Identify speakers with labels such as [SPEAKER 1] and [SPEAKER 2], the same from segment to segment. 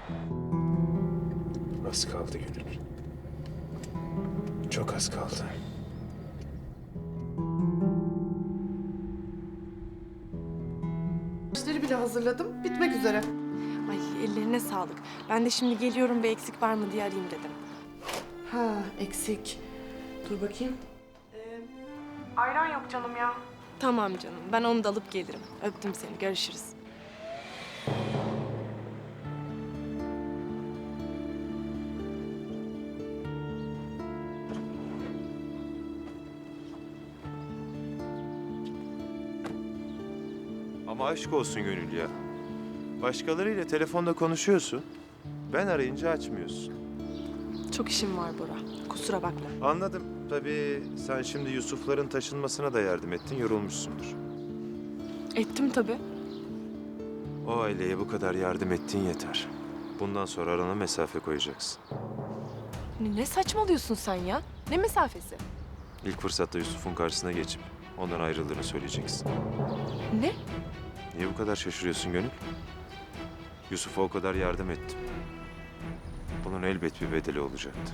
[SPEAKER 1] Az kaldı Gönül. Çok az kaldı.
[SPEAKER 2] İşleri bile hazırladım. Bitmek üzere.
[SPEAKER 3] Ay ellerine sağlık. Ben de şimdi geliyorum, bir eksik var mı diye arayayım dedim.
[SPEAKER 2] Ha, eksik. Dur bakayım.
[SPEAKER 3] Ayran yok canım ya. Tamam canım, ben onu da alıp gelirim. Öptüm seni, görüşürüz.
[SPEAKER 1] Ama aşk olsun Gönül ya. Başkalarıyla telefonda konuşuyorsun. Ben arayınca açmıyorsun.
[SPEAKER 3] Çok işim var Bora, kusura bakma.
[SPEAKER 1] Anladım. Tabii sen şimdi Yusuf'ların taşınmasına da yardım ettin, yorulmuşsundur.
[SPEAKER 3] Ettim tabii.
[SPEAKER 1] O aileye bu kadar yardım ettin yeter. Bundan sonra arana mesafe koyacaksın.
[SPEAKER 3] Ne saçmalıyorsun sen ya? Ne mesafesi?
[SPEAKER 1] İlk fırsatta Yusuf'un karşısına geçip ondan ayrıldığını söyleyeceksin.
[SPEAKER 3] Ne?
[SPEAKER 1] Niye bu kadar şaşırıyorsun Gönül? Yusuf'a o kadar yardım ettim. Bunun elbet bir bedeli olacaktı.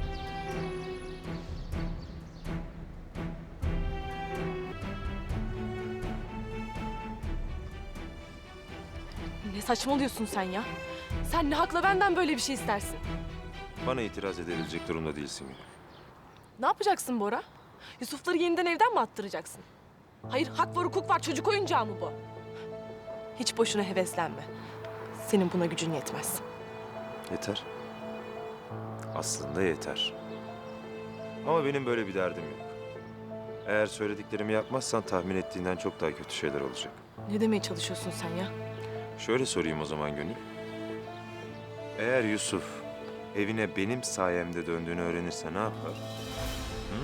[SPEAKER 3] Ne saçmalıyorsun sen ya? Sen ne hakla benden böyle bir şey istersin?
[SPEAKER 1] Bana itiraz edebilecek durumda değilsin Gönül.
[SPEAKER 3] Ne yapacaksın Bora? Yusuf'ları yeniden evden mi attıracaksın? Hayır, hak var, hukuk var. Çocuk oyuncağı mı bu? Hiç boşuna heveslenme. Senin buna gücün yetmez.
[SPEAKER 1] Yeter. Aslında yeter. Ama benim böyle bir derdim yok. Eğer söylediklerimi yapmazsan tahmin ettiğinden çok daha kötü şeyler olacak.
[SPEAKER 3] Ne demeye çalışıyorsun sen ya?
[SPEAKER 1] Şöyle sorayım o zaman Gönül. Eğer Yusuf evine benim sayemde döndüğünü öğrenirse ne yapar? Hı?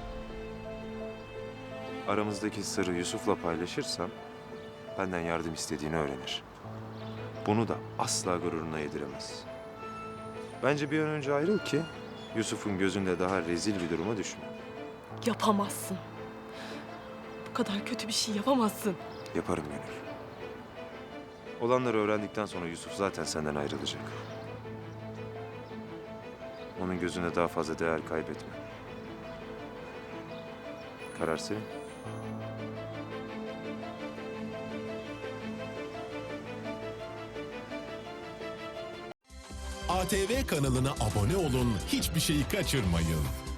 [SPEAKER 1] Aramızdaki sırrı Yusuf'la paylaşırsam benden yardım istediğini öğrenir. Bunu da asla gururuna yediremez. Bence bir an önce ayrıl ki Yusuf'un gözünde daha rezil bir duruma düşme.
[SPEAKER 3] Yapamazsın. Bu kadar kötü bir şey yapamazsın.
[SPEAKER 1] Yaparım Gönül. Olanları öğrendikten sonra Yusuf zaten senden ayrılacak. Onun gözünde daha fazla değer kaybetme. Karar senin.
[SPEAKER 4] ATV kanalına abone olun, hiçbir şeyi kaçırmayın.